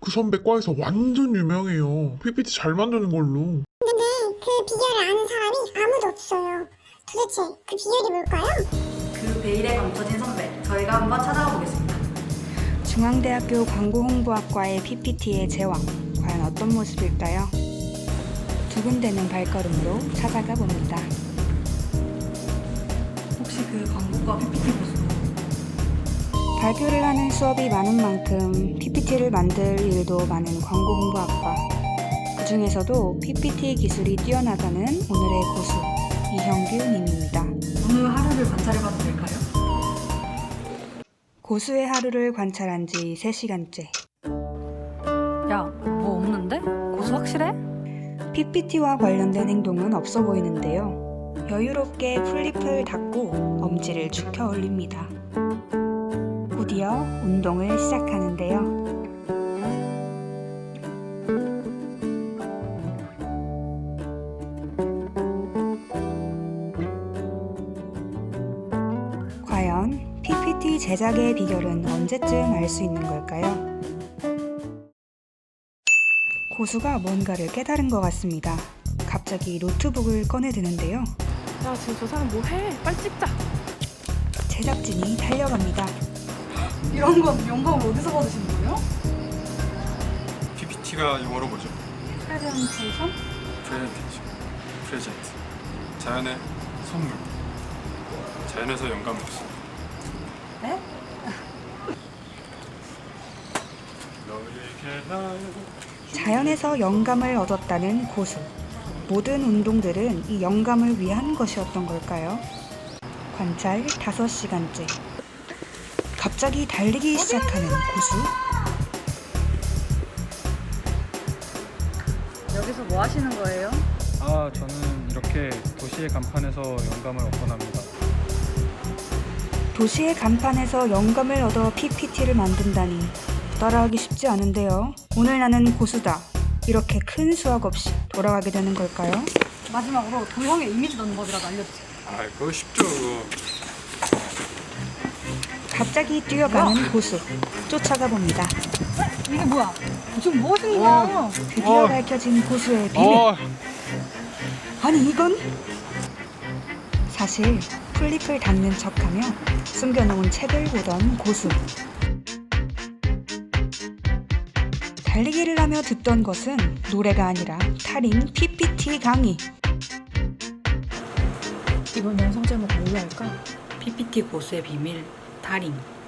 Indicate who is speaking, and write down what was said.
Speaker 1: 그 선배 과에서 완전 유명해요. PPT 잘 만드는 걸로.
Speaker 2: 근데 그 비결을 아는 사람이 아무도 없어요. 도대체 그 비결이 뭘까요?
Speaker 3: 그 베일에 감춰진 선배, 저희가 한번 찾아가 보겠습니다.
Speaker 4: 중앙대학교 광고홍보학과의 PPT의 제왕, 과연 어떤 모습일까요? 두근대는 발걸음으로 찾아가 봅니다.
Speaker 3: 혹시 그 광고과 PPT 보수
Speaker 4: 발표를 하는 수업이 많은 만큼 PPT를 만들 일도 많은 광고홍보학과. 그 중에서도 PPT 기술이 뛰어나가는 오늘의 고수, 이형규 님입니다.
Speaker 3: 오늘 하루를 관찰해봐도 될까요?
Speaker 4: 고수의 하루를 관찰한 지 3시간째.
Speaker 3: 야, 뭐 없는데? 고수 확실해?
Speaker 4: PPT와 관련된 행동은 없어 보이는데요. 여유롭게 플립을 닫고 엄지를 축혀 올립니다. 곧이어 운동을 시작하는데요. 과연 PPT 제작의 비결은 언제쯤 알 수 있는 걸까요? 고수가 뭔가를 깨달은 것 같습니다. 갑자기 노트북을 꺼내드는데요.
Speaker 5: 야, 지금 저 사람 뭐해? 빨리 찍자.
Speaker 4: 제작진이 달려갑니다.
Speaker 3: 이런 건 영감을 어디서 받으신 거예요?
Speaker 6: PPT가 영어로 뭐죠?
Speaker 3: 프레젠테이션?
Speaker 6: 프레젠테이션, 프레젠트. 자연의 선물. 자연에서 영감을 얻습니다.
Speaker 3: 네?
Speaker 6: 너에게 날
Speaker 4: 자연에서 영감을 얻었다는 고수. 모든 운동들은 이 영감을 위한 것이었던 걸까요? 관찰 5시간째. 갑자기 달리기 시작하는 고수.
Speaker 3: 여기서 뭐 하시는 거예요?
Speaker 7: 저는 이렇게 도시의 간판에서 영감을 얻곤 합니다.
Speaker 4: 도시의 간판에서 영감을 얻어 PPT를 만든다니 따라하기 쉽지 않은데요. 오늘 나는 고수다. 이렇게 큰 수학 없이 돌아가게 되는 걸까요?
Speaker 3: 마지막으로 도형의 이미지 넣는 법이라도 알려주세요.
Speaker 6: 그거 쉽죠, 그거.
Speaker 4: 갑자기 뛰어가는 고수. 쫓아가 봅니다.
Speaker 3: 이게 뭐야? 지금 뭐 하시는 거야?
Speaker 4: 드디어 밝혀진 고수의 비밀. 아니 이건? 사실 플립을 닫는 척하며 숨겨놓은 책을 보던 고수. 달리기를 하며 듣던 것은 노래가 아니라 탈인 PPT 강의.
Speaker 5: 이번 영상 제목 뭘로 할까?
Speaker 3: PPT 고수의 비밀, 달인.